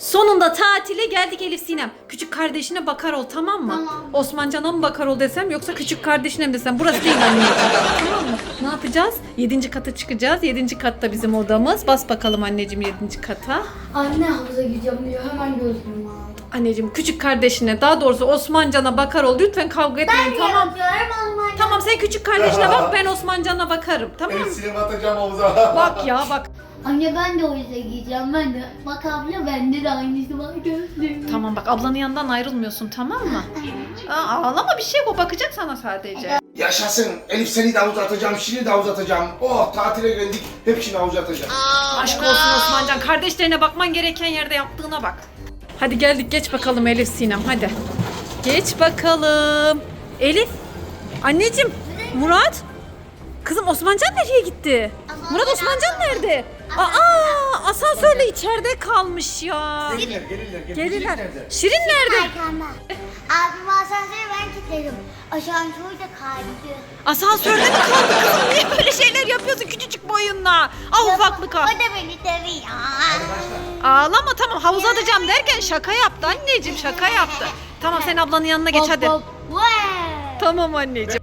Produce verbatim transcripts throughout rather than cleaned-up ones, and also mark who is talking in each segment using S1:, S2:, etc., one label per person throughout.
S1: Sonunda tatile geldik Elif Sinem. Küçük kardeşine bakar ol, tamam mı?
S2: Tamam.
S1: Osmancan'a mı bakar ol desem yoksa küçük kardeşine mi desem? Burası değil anneciğim. Tamam mı? Ne yapacağız? Yedinci kata çıkacağız. Yedinci katta bizim odamız. Bas bakalım anneciğim yedinci kata.
S2: Anne havuza gideceğim diyor. Hemen gözlüğümü aldım.
S1: Anneciğim küçük kardeşine, daha doğrusu Osmancan'a bakar ol. Lütfen kavga etmeyin,
S2: Ben
S1: tamam.
S2: yapıyorum Osman.
S1: Tamam, sen küçük kardeşine bak, ben Osmancan'a bakarım, tamam mı?
S3: El sinema atacağım havuza.
S1: Bak ya bak.
S2: Anne ben de havuza gideceğim. Ben de. Bak abla bende de aynısı var gözlüğüm.
S1: Tamam bak, ablanın yanından ayrılmıyorsun, tamam mı? Aa, ağlama, bir şey yok, o bakacak sana sadece.
S3: Yaşasın. Elif seni de havuza atacağım, Şirin'i de havuza atacağım. Oh tatile geldik. Hepsini havuza atacağım.
S1: Aşk olsun Osmancan, kardeşlerine bakman gereken yerde yaptığına bak. Hadi geldik, geç bakalım Elif Sinem, hadi. Geç bakalım. Elif, anneciğim, Murat. Kızım Osmancan nereye gitti? Murat, Osmancan nerede? Aa, asansörle içeride kalmış ya.
S3: Gelirler, gelirler. gelirler.
S1: Gelirler.
S3: Şirin nerede?
S1: Şirin nerede?
S2: Arkanda. Abim asansörü ben kilitledim. Asansör de kaydı.
S1: Asansörde mi kaldı kızım? Niye böyle şeyler yapıyorsun küçücük boyunla? Ah ufaklık ha.
S2: O da beni dövüyor.
S1: Ağlama, tamam, havuza atacağım derken şaka yaptı anneciğim, şaka yaptı. Tamam, sen ablanın yanına geç hadi.
S2: Hop, hop. Vay.
S1: Tamam anneciğim.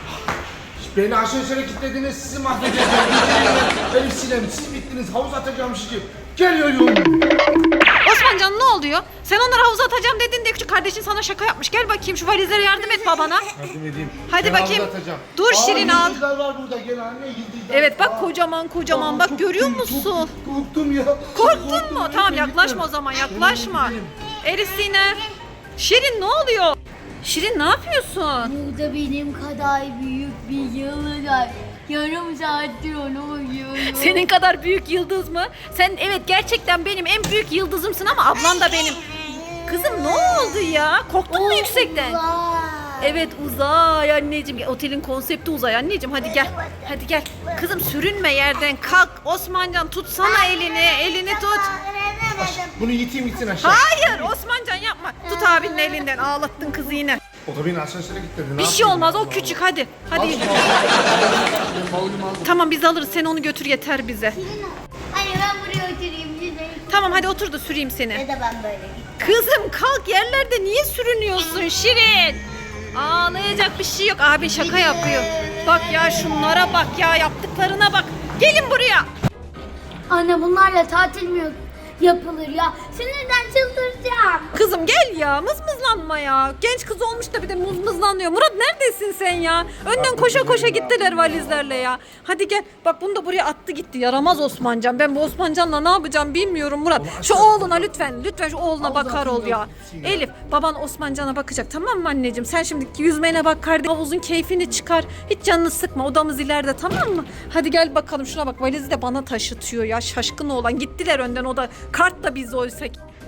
S3: Beni asansöre kilitlediniz, sizi mahvedeceğim. Elif Sinem, siz bittiniz. Havuz atacağım sizi. Geliyorum.
S1: Osmancan ne oluyor? Sen onları havuza atacağım dedin de küçük kardeşin sana şaka yapmış. Gel bakayım şu valizlere yardım et babana.
S3: Yardım edeyim.
S1: Hadi
S3: Ben
S1: bakayım.
S3: havuza atacağım.
S1: Dur Şirin, al.
S3: Yıldızlar var burada. Gel anne yıldızlar.
S1: Evet bak,
S3: Aa.
S1: kocaman kocaman
S3: Aa,
S1: bak,
S3: çok
S1: görüyor
S3: korktum,
S1: musun?
S3: Çok korktum ya.
S1: Korktun
S3: Korktum,
S1: mu?
S3: lütfen,
S1: Tamam,
S3: lütfen.
S1: yaklaşma o zaman, yaklaşma.
S3: Gidelim,
S1: Elif Sinem. Şirin ne oluyor? Şirin ne yapıyorsun?
S2: Burada benim kadar büyük bir yıldız var. Yarım saattir onu uyuyorum.
S1: Senin kadar büyük yıldız mı? Sen evet gerçekten benim en büyük yıldızımsın ama ablan da benim. Kızım ne oldu ya? Korktun mu yüksekten?
S2: Vay.
S1: Evet, uzay anneciğim. Otelin konsepti uzay anneciğim. Hadi gel. Hadi gel. Kızım sürünme yerden. Kalk. Osmancan tutsana elini. Elini tut.
S3: Bunu yiteyim gitsin aşağı.
S1: Hayır Osmancan yapma. Tut abinin elinden. Ağlattın kızı yine.
S3: O da beni asansöre kilitledi.
S1: Bir şey olmaz. O küçük. Hadi. Hadi.
S3: Ben bavulumu aldım.
S1: Tamam, biz alırız. Sen onu götür, yeter bize.
S2: Anne ben buraya oturayım. Güzel.
S1: Tamam hadi otur da süreyim seni.
S2: Ya da ben böyle gideyim.
S1: Kızım kalk, yerlerde niye sürünüyorsun Şirin? Ağlayacak bir şey yok. Abi şaka yapıyor. Bak ya, şunlara bak ya, yaptıklarına bak. Gelin buraya.
S2: Anne bunlarla tatil mi yok- yapılır ya? Sinirden çıldıracağım.
S1: Kızım gel ya, mızmızlanma ya. Genç kız olmuş da bir de mızmızlanıyor. Murat neredesin sen ya? Önden koşa koşa gittiler valizlerle ya. Hadi gel. Bak bunu da buraya attı gitti. Yaramaz Osmancan. Ben bu Osmancan'la ne yapacağım bilmiyorum Murat. Şu oğluna lütfen. Lütfen şu oğluna bakar ol ya. Elif, baban Osmancan'a bakacak, tamam mı anneciğim? Sen şimdi yüzmene bak kardeşim. Havuzun keyfini çıkar. Hiç canını sıkma. Odamız ileride, tamam mı? Hadi gel bakalım, şuna bak, valizi de bana taşıtıyor ya. Şaşkın oğlan. Gittiler önden, o da kart da biz oysa.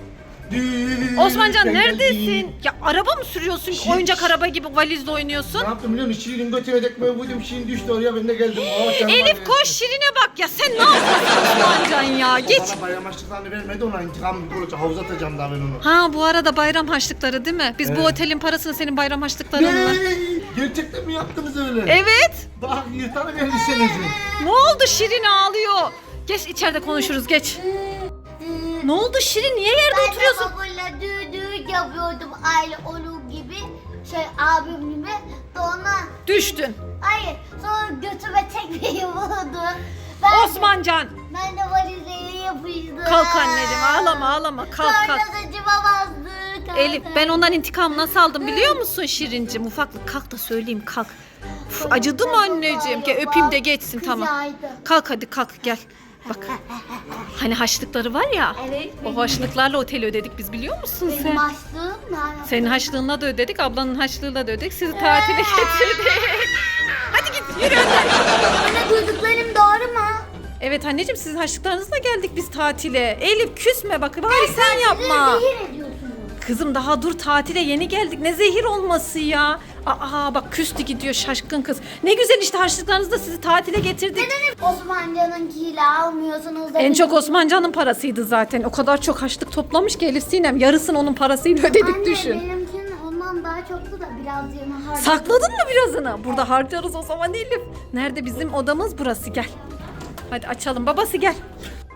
S1: Osmancan
S3: Ben
S1: neredesin?
S3: geldim.
S1: Ya araba mı sürüyorsun?
S3: Şirin-
S1: oyuncak araba gibi valizle oynuyorsun.
S3: Ne yaptım biliyor musun? Şirin'in götüne dekmeye vurdum. Şirin düştü oraya, ben de geldim. Oh, canım
S1: Elif
S3: var
S1: koş, Şirin'e bak ya, sen ne yapıyorsun Osmancan ya?
S3: ya.
S1: Geç.
S3: Bana bayram açlıklarını vermedi, ona intikam olacak. Havuza atacağım daha ben onu.
S1: Ha, bu arada bayram harçlıkları değil mi? Biz bu
S3: Evet.
S1: otelin parasını senin bayram harçlıklarınla.
S3: Ne? Gerçekten mi yaptınız öyle?
S1: Evet.
S3: Bak yırtarım elbisenizi.
S1: Ne oldu, Şirin ağlıyor. Geç, içeride konuşuruz, geç. Ne oldu Şirin, niye yerde
S2: Ben de
S1: oturuyorsun?
S2: babayla düğün düğün yapıyordum aile olur gibi. Şey abim gibi. Sonra
S1: Düştün.
S2: hayır sonra götüme tekmeyi vurdu. Ben,
S1: Osmancan.
S2: ben de valizeye yapıştım.
S1: Kalk anneciğim, ağlama ağlama, kalk
S2: Sonra
S1: kalk.
S2: saçıma bastı. kalk,
S1: Elif,
S2: kalk.
S1: ben ondan intikam nasıl aldım biliyor musun Şirincim? Ufaklık kalk da söyleyeyim, kalk. Uf, acıdı mı anneciğim? Gel öpeyim de geçsin, tamam.
S2: Kızardı.
S1: Kalk hadi, kalk gel. Bak. Hani haçlıkları var ya.
S2: Evet.
S1: O haçlıklarla oteli ödedik biz, biliyor musun
S2: Benim
S1: sen?
S2: başlığım nerede?
S1: Senin haçlığına da ödedik, ablanın haçlığıyla da ödedik. Sizi tatile getirdik. Hadi git, yürü önden.
S2: Anne duyduklarım doğru mu?
S1: Evet anneciğim, sizin haçlıklarınızla geldik biz tatile. Elif küsme bak, bari sen yapma.
S2: Zehir ediyorsunuz.
S1: Kızım daha dur, tatile yeni geldik. Ne zehir olması ya. Aa bak, küstü gidiyor şaşkın kız. Ne güzel işte, harçlıklarınızla sizi tatile getirdik.
S2: Neden hep Osmancan'ınkiyle almıyorsunuz da
S1: En
S2: benim-
S1: çok Osmancan'ın parasıydı zaten. O kadar çok harçlık toplamış ki Elif Sinem. Yarısını onun parasıyla ödedik,
S2: Anne,
S1: düşün.
S2: benimkinin ondan daha çoktu da biraz yana harcadım.
S1: Sakladın mı birazını? Burada harcarız o zaman Elif. Nerede bizim odamız? Burası, gel. Hadi açalım. Babası gel.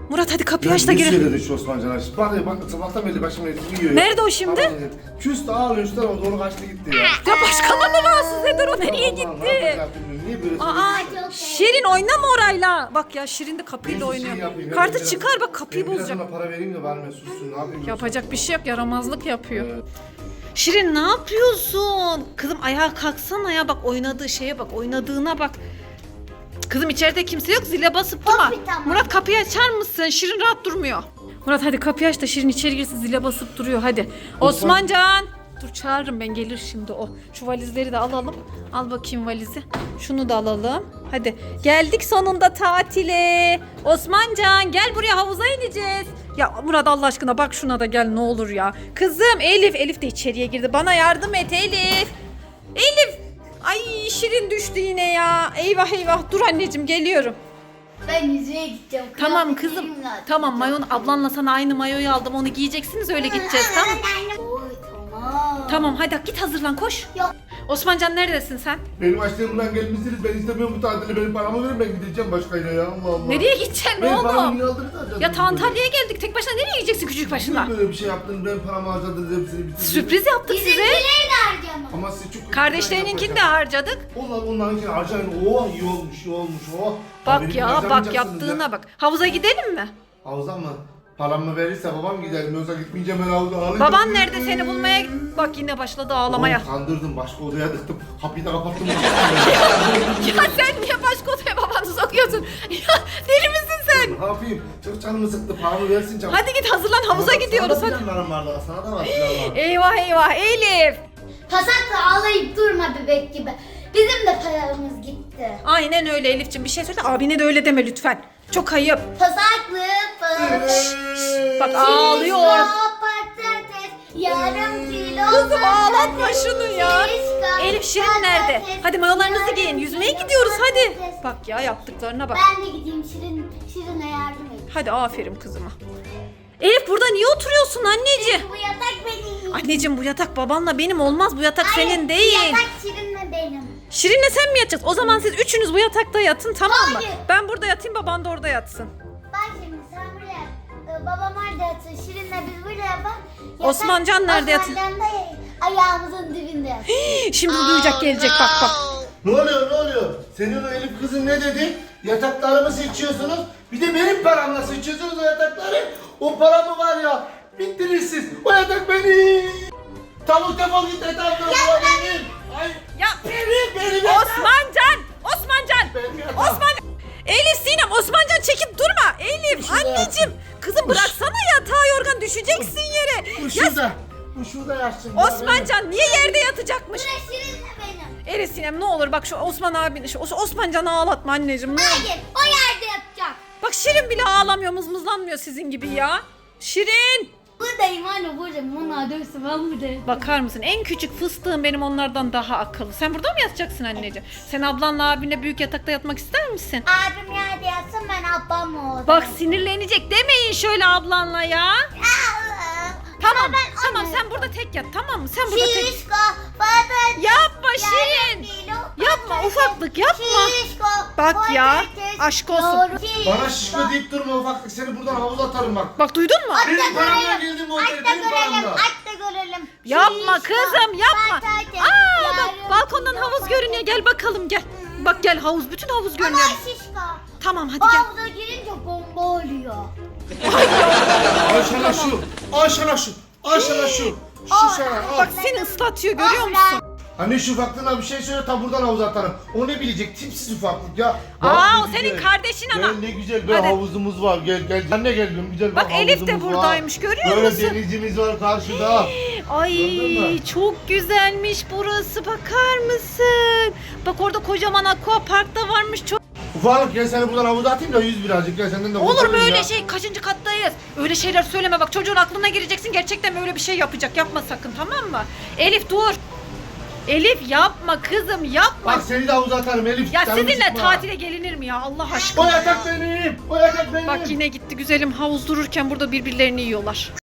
S1: Murat hadi kapıyı aç da
S3: Ne
S1: girelim.
S3: söyledi şu Osmancan aç? Bak bak sabahtan beri başım yiyor.
S1: Nerede o şimdi?
S3: Küs ağlıyor üstten o doğru kaçtı gitti ya.
S1: Ya başkanı mı rahatsız eder o? Nereye
S3: Allah, ne
S1: gitti?
S3: yapacak bilmiyorum. Niye böyle
S1: Aa,
S3: söylüyorsun?
S1: Şirin oynama orayla. Bak ya Şirin de kapıyla
S3: Ben bir şey
S1: oynuyor.
S3: yapayım,
S1: Kartı
S3: ben biraz-
S1: çıkar bak kapıyı
S3: ben biraz
S1: bozacak.
S3: ona para vereyim de bari ben sussun. Ne yapayım?
S1: Yapacak bir şey yok, yaramazlık yapıyor. Şirin ne yapıyorsun? Kızım ayağa kalksana ya, bak oynadığı şeye bak, oynadığına bak. Kızım içeride kimse yok, zile basıp durma.
S2: Tabii, tamam.
S1: Murat kapıyı açar mısın? Şirin rahat durmuyor. Murat hadi kapıyı aç da Şirin içeri girsin, zile basıp duruyor hadi. Osmancan. Dur çağırırım ben, gelir şimdi o. Şu valizleri de alalım. Al bakayım valizi. Şunu da alalım. Hadi geldik sonunda tatile. Osmancan gel buraya, havuza ineceğiz. Ya Murat Allah aşkına bak şuna da gel ne olur ya. Kızım Elif. Elif de içeriye girdi. Bana yardım et Elif. Elif. Ay Şirin düştü yine ya. Eyvah eyvah. Dur anneciğim geliyorum.
S2: Ben yüzüğe gideceğim.
S1: Tamam kızım. Tamam mayon, ablanla sana aynı mayoyu aldım. Onu giyeceksiniz öyle gideceğiz tamam.
S2: Oy, tamam.
S1: Tamam hadi git hazırlan koş.
S2: Yok.
S1: Osmancan neredesin sen?
S3: Benim açlığımdan gelmişsiniz. Ben istemiyorum bu tatili. Benim paramı verin, ben gideceğim başkayla ya. Allah Allah.
S1: Nereye gideceksin
S3: Benim paramı
S1: oğlum?
S3: yine aldınız harcadınız.
S1: Ya ta Antalya'ya geldik. Tek başına nereye gideceksin küçük başına?
S3: Niye böyle bir şey yaptınız? Ben paramı harcadınız hepsini bitirdiniz.
S1: Sürpriz yaptık size.
S2: Bizimkileri de harcama.
S3: Ama siz çok...
S1: Kardeşlerininkini de harcadık.
S3: Onlar onlarınkini harcayın. Oh iyi olmuş, iyi olmuş. Oh.
S1: Bak
S3: Benim
S1: ya bak
S3: harcamayacaksınız
S1: yaptığına
S3: ya.
S1: bak. Havuza gidelim mi?
S3: Havuza mı? Paramı verirse babam gider. Yoksa gitmeyeceğim ben havuza. Ağlayacağım.
S1: Baban nerede seni bulmaya? Bak yine başladı ağlamaya.
S3: Oğlum, kandırdım. Başka odaya tıktım. Kapıyı da kapattım.
S1: Ya sen niye başka odaya babanı sokuyorsun? Ya deli misin sen?
S3: Ne yapayım? Çok canımı sıktı. Paramı versin canım.
S1: Hadi git hazırlan, havuza gidiyoruz
S3: Sana
S1: hadi.
S3: da planlarım vardı. Sana da var planlar.
S1: Eyvah eyvah Elif.
S2: Pasakla ağlayıp durma bebek gibi. Bizim de paramız gitti.
S1: Aynen öyle Elif'ciğim, bir şey söyle, abine de öyle deme lütfen. Çok ayıp.
S2: Pasaklı pıs.
S1: Bak ağlıyor.
S2: Patates, yarım kilo
S1: Kızım ağlatma
S2: patates,
S1: şunu ya.
S2: şişko,
S1: Elif Şirin nerede?
S2: patates,
S1: Hadi mayolarınızı
S2: yarım
S1: giyin, yüzmeye
S2: kilo
S1: gidiyoruz hadi.
S2: patates.
S1: Bak ya yaptıklarına bak.
S2: Ben de gideyim Şirin, Şirin'e yardım edeyim.
S1: Hadi aferin kızıma. Elif burada niye oturuyorsun anneciğim?
S2: Bu yatak benim.
S1: Anneciğim bu yatak babanla benim olmaz, bu yatak
S2: Hayır,
S1: senin
S2: bu
S1: değil.
S2: yatak Şirin'le benim.
S1: Şirin'le sen mi yatacaksın? O zaman siz üçünüz bu yatakta yatın tamam mı?
S2: Hayır.
S1: Ben burada yatayım, baban da orada yatsın.
S2: Bak şimdi sen buraya, e, babam orada yatsın, Şirin'le biz buraya bak. Yatak-
S1: Osmancan nerede yatın?
S2: Osmancan da ayağımızın dibinde yatsın.
S1: Şimdi duyacak gelecek bak bak.
S3: Ne oluyor ne oluyor? Senin o Elif kızın ne dedi? Yataklarımı seçiyorsunuz. Bir de benim paramla seçiyorsunuz o yatakları. O paramı var ya. Bittiniz siz. O yatak benim. Tavuk defol git yatak. O benim. Ay.
S1: Ya
S3: Benim benim yatak.
S1: Osmancan! Osmancan!
S3: Benim yatağım.
S1: Osman! Elif Sinem, Osmancan çekip durma. Elif
S3: Şurada
S1: anneciğim. Kızım bıraksana yatağı, yorgan düşeceksin yere.
S3: Bu
S1: Ya
S3: şurada. Bu şurada yatsın.
S1: Osmancan niye yerde yatacakmış?
S2: Burası Şirin'le benim.
S1: Elif Sinem ne olur bak şu Osman abini, şu Os- Osmancan'ı ağlatma anneciğim. Ne olur.
S2: Hayır, o yerde yatacak.
S1: Bak Şirin bile ağlamıyor, mızmızlanmıyor sizin gibi ya. Şirin!
S2: Buradayım anne, buradayım. Onlar dövsün, ben buradayım.
S1: Bakar mısın? En küçük fıstığım benim onlardan daha akıllı. Sen burada mı yatacaksın anneciğim? Sen ablanla abinle büyük yatakta yatmak ister misin?
S2: Abim yerde yatsın, ben ablamla olayım.
S1: Bak sinirlenecek demeyin şöyle ablanla ya. Tamam
S2: ben
S1: tamam
S2: anne.
S1: sen burada tek yat tamam mı? Sen burada tek...
S2: Şişko, patates.
S1: Yapma
S2: yarım
S1: Şirin.
S2: kilo
S1: Yapma,
S2: patates,
S1: ufaklık, yapma.
S2: Şişko,
S1: Bak ya,
S2: patates,
S1: aşk olsun.
S2: yoğurt,
S3: Bana şişko deyip durma ufaklık. Seni buradan havuza atarım bak.
S1: Bak duydun mu?
S2: Aç da
S3: Benim paramla
S2: görelim.
S3: girdim o
S2: Aç
S3: otele,
S2: da
S3: benim
S2: görelim.
S3: paramla.
S2: Aç da görelim.
S1: Yapma
S2: Şişko,
S1: kızım yapma.
S2: patates,
S1: Aa bak
S2: yarım
S1: balkondan
S2: kilo
S1: havuz
S2: patates.
S1: görünüyor, gel bakalım gel. Bak gel havuz, bütün havuz
S2: Ama
S1: görünüyor.
S2: şişko.
S1: Tamam hadi
S2: O
S1: gel.
S2: havuza girince bomba oluyor.
S3: Al sana şu. Al sana şu. Al sana şu. Şu sana al.
S1: Bak seni ıslatıyor görüyor musun?
S3: Anne şu ufaklığına bir şey söyle ta buradan havuza atarım. O ne bilecek tipsiz ufaklık ya.
S1: Aa,
S3: Bak ne
S1: o senin
S3: güzel.
S1: kardeşin ama.
S3: Gel ne güzel bir
S1: Hadi.
S3: havuzumuz var. Gel gel. Anne gel bir güzel bir
S1: Bak Elif de
S3: havuzumuz
S1: buradaymış,
S3: var.
S1: görüyor
S3: Böyle
S1: musun?
S3: denizimiz var karşıda.
S1: Ay
S3: Gördün mü?
S1: çok güzelmiş burası, bakar mısın? Bak orada kocaman aqua park da varmış, çok.
S3: Ufaklık gel seni buradan havuza atayım da yüz birazcık gel senden de
S1: Olur mu
S3: kurtulayım
S1: öyle
S3: ya.
S1: şey? Kaçıncı kattayız? Öyle şeyler söyleme bak, çocuğun aklına gireceksin, gerçekten böyle bir şey yapacak, yapma sakın tamam mı? Elif dur. Elif yapma kızım yapma.
S3: Bak seni de havuza atarım Elif.
S1: Ya
S3: canımı
S1: sizinle
S3: sıkma.
S1: tatile gelinir mi ya Allah aşkına?
S3: O yatak benim. O yatak benim.
S1: Bak yine gitti güzelim, havuz dururken burada birbirlerini yiyorlar.